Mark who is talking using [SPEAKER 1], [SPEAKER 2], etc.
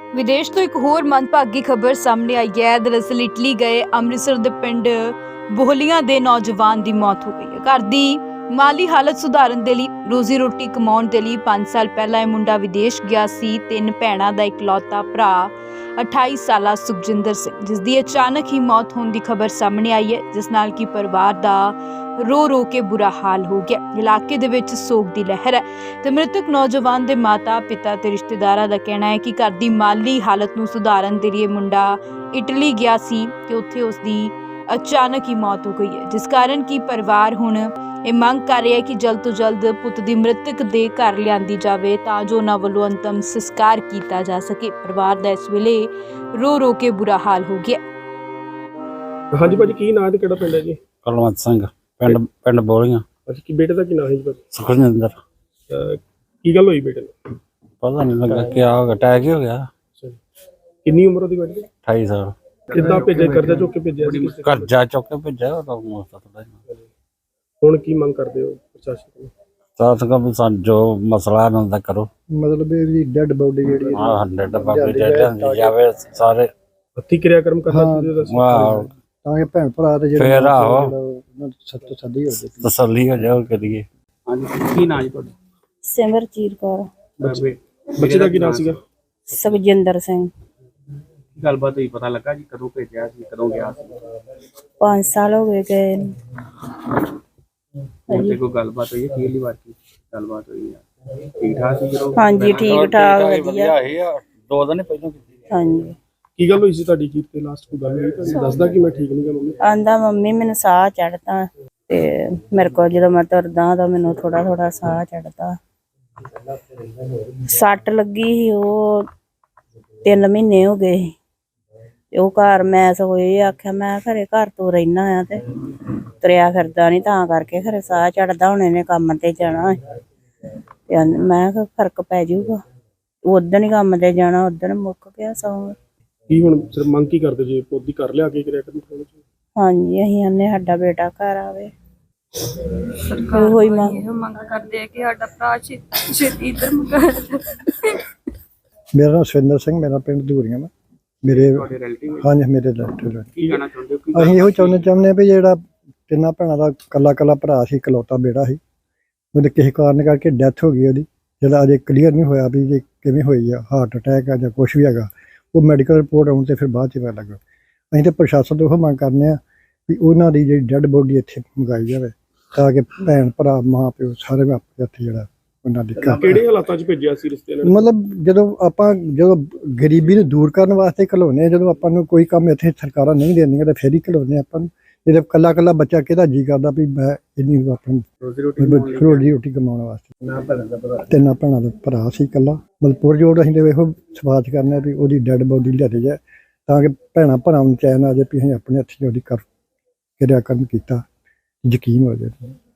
[SPEAKER 1] ਵਿਦੇਸ਼ ਤੋਂ ਇੱਕ ਹੋਰ ਮੰਦਭਾਗੀ ਖਬਰ ਸਾਹਮਣੇ ਆਈ ਹੈ। ਦਰਅਸਲ ਇਟਲੀ ਗਏ ਅੰਮ੍ਰਿਤਸਰ ਦੇ ਪਿੰਡ ਬੋਹਲੀਆਂ ਦੇ ਨੌਜਵਾਨ ਦੀ ਮੌਤ ਹੋ ਗਈ ਹੈ। ਘਰ ਦੀ ਮਾਲੀ ਹਾਲਤ ਸੁਧਾਰਨ ਦੇ ਲਈ ਰੋਜ਼ੀ ਰੋਟੀ ਕਮਾਉਣ ਦੇ ਲਈ 5 ਸਾਲ ਪਹਿਲਾਂ ਇਹ ਮੁੰਡਾ ਵਿਦੇਸ਼ ਗਿਆ ਸੀ। 3 ਭੈਣਾਂ ਦਾ ਇਕਲੌਤਾ ਭਰਾ 28 ਸਾਲਾ ਸੁਖਜਿੰਦਰ ਸਿੰਘ, ਜਿਸ ਦੀ ਅਚਾਨਕ ਹੀ ਮੌਤ ਹੋਣ ਦੀ ਖਬਰ ਸਾਹਮਣੇ ਆਈ ਹੈ, ਜਿਸ ਨਾਲ ਕਿ ਪਰਿਵਾਰ ਦਾ ਰੋ ਕੇ ਬੁਰਾ ਹਾਲ ਹੋ ਗਿਆ। ਇਲਾਕੇ ਦੇ ਵਿੱਚ ਸੋਗ ਦੀ ਲਹਿਰ ਹੈ ਤੇ ਮ੍ਰਿਤਕ ਨੌਜਵਾਨ ਦੇ ਮਾਤਾ ਪਿਤਾ ਤੇ ਰਿਸ਼ਤੇਦਾਰਾਂ ਦਾ ਕਹਿਣਾ ਹੈ ਕਿ ਘਰ ਦੀ ਮਾਲੀ ਹਾਲਤ ਨੂੰ ਸੁਧਾਰਨ ਦੇ ਲਈ ਮੁੰਡਾ ਇਟਲੀ ਗਿਆ ਸੀ ਤੇ ਉੱਥੇ ਉਸ ਦੀ ਅਚਾਨਕ ਹੀ ਮੌਤ ਹੋ ਗਈ ਹੈ, ਜਿਸ ਕਾਰਨ ਕਿ ਪਰਿਵਾਰ ਹੁਣ ਇਹ ਮੰਗ ਕਰ ਰਿਹਾ ਹੈ ਕਿ ਜਲਦ ਤੋਂ ਜਲਦ ਪੁੱਤ ਦੀ ਮ੍ਰਿਤਕ ਦੇ ਘਰ ਲਿਆਂਦੀ ਜਾਵੇ ਤਾਂ ਜੋ ਉਹਨਾਂ ਵੱਲੋਂ ਅੰਤਮ ਸੰਸਕਾਰ ਕੀਤਾ ਜਾ ਸਕੇ। ਪਰਿਵਾਰ ਦਾ ਇਸ ਵੇਲੇ ਰੋ ਕੇ ਬੁਰਾ ਹਾਲ ਹੋ ਗਿਆ।
[SPEAKER 2] ਹਾਂਜੀ ਭਾਜੀ, ਕੀ ਨਾਂ ਤੇ ਕਿਹੜਾ ਪਿੰਡ ਹੈ ਜੀ?
[SPEAKER 3] ਕੁਲਵੰਤ ਸਿੰਘ, ਪਿੰਡ ਬੋਲੀਆਂ।
[SPEAKER 2] ਅੱਛਾ, ਕੀ ਬੇਟੇ ਦਾ ਕੀ ਨਾਂ ਹੈ ਜੀ ਭਾਜੀ?
[SPEAKER 3] ਸੁਖਜਿੰਦਰ।
[SPEAKER 2] ਕੀ ਗੱਲ ਹੋਈ ਬੇਟੇ ਨੂੰ?
[SPEAKER 3] ਪਤਾ ਨਹੀਂ ਲੱਗਾ ਕਿਆ ਹੋ ਗਿਆ, ਅਟੈਕ ਹੀ ਹੋ ਗਿਆ।
[SPEAKER 2] ਕਿੰਨੀ ਉਮਰ ਉਹਦੀ ਬੇਟੇ ਦੀ?
[SPEAKER 3] 28 ਸਾਲ।
[SPEAKER 2] ਕਿੱਦਾਂ ਭੇਜਿਆ, ਕਰਜ਼ਾ ਚੁੱਕ ਕੇ ਭੇਜਿਆ ਸੀ?
[SPEAKER 3] ਕਰਜ਼ਾ ਚੁੱਕ ਕੇ ਭੇਜਿਆ ਉਹ ਮੋਸਤਾ ਥੋੜਾ ਜਿਹਾ।
[SPEAKER 2] ਹੁਣ ਕੀ ਮੰਗ ਕਰਦੇ ਹੋ ਪ੍ਰਸ਼ਾਸਨ ਤੋਂ?
[SPEAKER 3] ਸਾਥ ਕਾ ਸਾਨੂੰ ਜੋ ਮਸਲਾ ਇਹਨਾਂ ਦਾ ਕਰੋ।
[SPEAKER 4] ਮਤਲਬ ਇਹਦੀ ਡੈਡ ਬੋਡੀ ਜਿਹੜੀ
[SPEAKER 3] ਹਾਂ 100 ਬਾਬੇ ਜਿਹੜੇ ਜਾਵੇ ਸਾਰੇ
[SPEAKER 2] ਹੱਥੀ ਕਿਰਿਆਕਰਮ ਕਰਨਾ ਚਾਹੀਦਾ ਸੀ।
[SPEAKER 3] ਵਾਹ,
[SPEAKER 4] ਤਾਂ ਕਿ ਭੈਣ ਭਰਾ ਤੇ
[SPEAKER 3] ਫੇਰ
[SPEAKER 4] ਜਿਹੜੇ
[SPEAKER 3] ਆਹੋ
[SPEAKER 4] ਸੱਤ ਸੱਦੀ ਹੋ ਜਾਵੇ।
[SPEAKER 3] ਤਸੱਲੀ ਹੋ ਜਾਓ ਕਰੀਏ।
[SPEAKER 2] ਹਾਂਜੀ, ਕੀ ਨਾਂ ਜੀ ਤੁਹਾਡਾ?
[SPEAKER 5] ਸਿਮਰਜੀਤ ਕੌਰ।
[SPEAKER 2] ਬੱਚੇ ਦਾ ਕੀ ਨਾਂ ਸੀਗਾ?
[SPEAKER 5] ਸੁਖਜਿੰਦਰ ਸਿੰਘ।
[SPEAKER 2] ਗੱਲਬਾਤ ਹੋਈ, ਪਤਾ ਲੱਗਾ ਜੀ ਕਦੋਂ ਭੇਜਿਆ ਸੀ, ਕਦੋਂ ਗਿਆ ਸੀ?
[SPEAKER 5] 5 ਸਾਲ ਹੋ ਗਏ ਨੂੰ।
[SPEAKER 2] ਤੇ ਕੋਈ ਗੱਲਬਾਤ ਹੋਈ ਹੈ? ਪਹਿਲੀ ਵਾਰ ਕੀ ਗੱਲਬਾਤ ਹੋਈ ਹੈ? ਠੀਕ ਠਾਕ ਸੀ ਜਦੋਂ?
[SPEAKER 5] ਹਾਂਜੀ, ਠੀਕ ਠਾਕ ਵਧੀਆ।
[SPEAKER 3] ਇਹ 2 ਦਿਨ ਪਹਿਲਾਂ ਕੀਤੀ।
[SPEAKER 5] ਹਾਂਜੀ।
[SPEAKER 2] ਕੀ ਗੱਲ ਹੋਈ ਸੀ ਤੁਹਾਡੀ? ਕੀ ਤੇ ਲਾਸਟ ਕੋਈ ਗੱਲ ਹੋਈ? ਤੁਹਾਨੂੰ ਦੱਸਦਾ ਕਿ ਮੈਂ ਠੀਕ ਨਹੀਂ ਗਾ ਮੰਮੀ?
[SPEAKER 5] ਆਂਦਾ ਮੰਮੀ ਮੈਨੂੰ ਸਾਹ ਚੜਦਾ ਤੇ ਮੇਰੇ ਕੋਲ ਜਦੋਂ ਮੈਂ ਤੁਰਦਾ ਤਾਂ ਮੈਨੂੰ ਥੋੜਾ ਸਾਹ ਚੜਦਾ। ਸੱਟ ਲੱਗੀ ਸੀ, ਉਹ 3 ਮਹੀਨੇ ਹੋ ਗਏ ਸੀ ਤੇ ਉਹ ਘਰ ਮੈਂ ਸਗੋਂ ਇਹ ਆਖਿਆ ਮੈਂ ਘਰੇ ਘਰ ਤੋਂ ਰਹਿਣਾ ਆ ਤੇ ਤੁਰਿਆ ਫਿਰਦਾ ਨਹੀਂ, ਤਾਂ ਕਰਕੇ ਖਰੇ ਸਾਹ ਚੜਦਾ। ਹੁਣ ਇਹਨੇ ਕੰਮ ਤੇ ਜਾਣਾ ਤੇ ਮੈਂ ਕਿਹਾ ਫਰਕ ਪੈ ਜਾਊਗਾ। ਉਦਣ ਹੀ ਕੰਮ ਤੇ ਜਾਣਾ, ਉਦਣ ਮੁੱਕ ਗਿਆ ਸੌਂ।
[SPEAKER 2] ਕੀ ਹੁਣ ਸਿਰ ਮੰਗ ਕੀ ਕਰਦੇ ਜੀ? ਪੋਦੀ ਕਰ ਲਿਆ ਕੇ ਕਿਰਿਆਕਰਮ ਕਰਨਾ ਚਾਹੀਦਾ?
[SPEAKER 5] ਹਾਂਜੀ, ਅਸੀਂ ਆਨੇ ਸਾਡਾ ਬੇਟਾ ਘਰ ਆਵੇ।
[SPEAKER 6] ਸਰਕਾਰ ਕੋਲ ਇਹੋ ਮੰਗ ਕਰਦੇ ਆ ਕਿ ਸਾਡਾ ਭਰਾ ਛੇਤੀ ਇੱਧਰ ਮੰਗਾ।
[SPEAKER 4] ਮੇਰਾ ਨਾਮ ਸੁਰਿੰਦਰ ਸਿੰਘ, ਮੇਰਾ ਪਿੰਡ ਧੂਰੀਆਂ ਵਾ। ਮੇਰੇ
[SPEAKER 2] ਤੁਹਾਡੇ ਰਿਲੇਟਿਵ
[SPEAKER 4] ਹਾਂਜੀ, ਮੇਰੇ ਰਿਲੇਟਿਵ।
[SPEAKER 2] ਕੀ ਕਹਿਣਾ ਚਾਹੁੰਦੇ ਹੋ?
[SPEAKER 4] ਅਸੀਂ ਇਹੋ ਚਾਹੁੰਦੇ ਵੀ ਜਿਹੜਾ 3 ਭੈਣਾਂ ਦਾ ਕੱਲਾ ਭਰਾ ਸੀ, ਇਕਲੌਤਾ ਬੇਟਾ ਸੀ, ਉਹਦੇ ਕਿਸੇ ਕਾਰਨ ਕਰਕੇ ਡੈਥ ਹੋ ਗਈ ਉਹਦੀ। ਜਿਹੜਾ ਅਜੇ ਕਲੀਅਰ ਨਹੀਂ ਹੋਇਆ ਵੀ ਜੇ ਕਿਵੇਂ ਹੋਈ ਆ, ਹਾਰਟ ਅਟੈਕ ਆ ਜਾਂ ਕੁਛ ਵੀ ਹੈਗਾ। ਉਹ ਮੈਡੀਕਲ ਰਿਪੋਰਟ ਆਉਣ ਤੇ ਫਿਰ ਬਾਅਦ 'ਚ ਪਤਾ ਲੱਗਾ। ਅਸੀਂ ਤਾਂ ਪ੍ਰਸ਼ਾਸਨ ਤੋਂ ਇਹੋ ਮੰਗ ਕਰਨੇ ਆ ਵੀ ਉਹਨਾਂ ਦੀ ਜਿਹੜੀ ਡੈਡ ਬੋਡੀ ਇੱਥੇ ਮੰਗਾਈ ਜਾਵੇ ਤਾਂ ਕਿ ਭੈਣ ਭਰਾ ਮਾਂ ਪਿਓ ਸਾਰੇ ਆਪਣੇ ਇੱਥੇ ਜਿਹੜਾ ਉਹਨਾਂ ਦੀ
[SPEAKER 2] ਕਿਹੜੇ ਹਾਲਾਤਾਂ 'ਚ ਭੇਜਿਆ ਸੀ ਰਿਸ਼ਤੇ ਨਾਲ?
[SPEAKER 4] ਮਤਲਬ ਜਦੋਂ ਗਰੀਬੀ ਨੂੰ ਦੂਰ ਕਰਨ ਵਾਸਤੇ ਘਲਾਉਂਦੇ ਆ, ਜਦੋਂ ਆਪਾਂ ਨੂੰ ਕੋਈ ਕੰਮ ਇੱਥੇ ਸਰਕਾਰਾਂ ਨਹੀਂ ਦਿੰਦੀਆਂ ਤਾਂ ਫਿਰ ਹੀ ਘਲਾਉਂਦੇ ਆਪਾਂ ਨੂੰ। ਜਦੋਂ ਕੱਲਾ ਬੱਚਾ ਕਿਹਦਾ ਜੀ ਕਰਦਾ ਵੀ ਮੈਂ ਇੰਨੀ ਆਪਣੀ ਰੋਜੀ ਰੋਟੀ ਕਮਾਉਣ ਵਾਸਤੇ। 3 ਭੈਣਾਂ ਦਾ ਭਰਾ ਸੀ ਇਕੱਲਾ। ਮਤਲਬ ਪੁਰਜੋਰ ਅਸੀਂ ਤੇ ਇਹੋ ਸਵਾਲ ਕਰਨੇ ਵੀ ਉਹਦੀ ਡੈਡ ਬੋਡੀ ਲਿਆਦੀ ਜਾਏ ਤਾਂ ਕਿ ਭੈਣਾਂ ਭਰਾਵਾਂ ਨੂੰ ਚੈਨ ਆ ਜਾਏ ਵੀ ਅਸੀਂ ਆਪਣੇ ਹੱਥੀਂ ਉਹਦੀ ਕਿਰਿਆਕਰਮ ਕੀਤਾ, ਯਕੀਨ ਹੋ ਜਾਏ।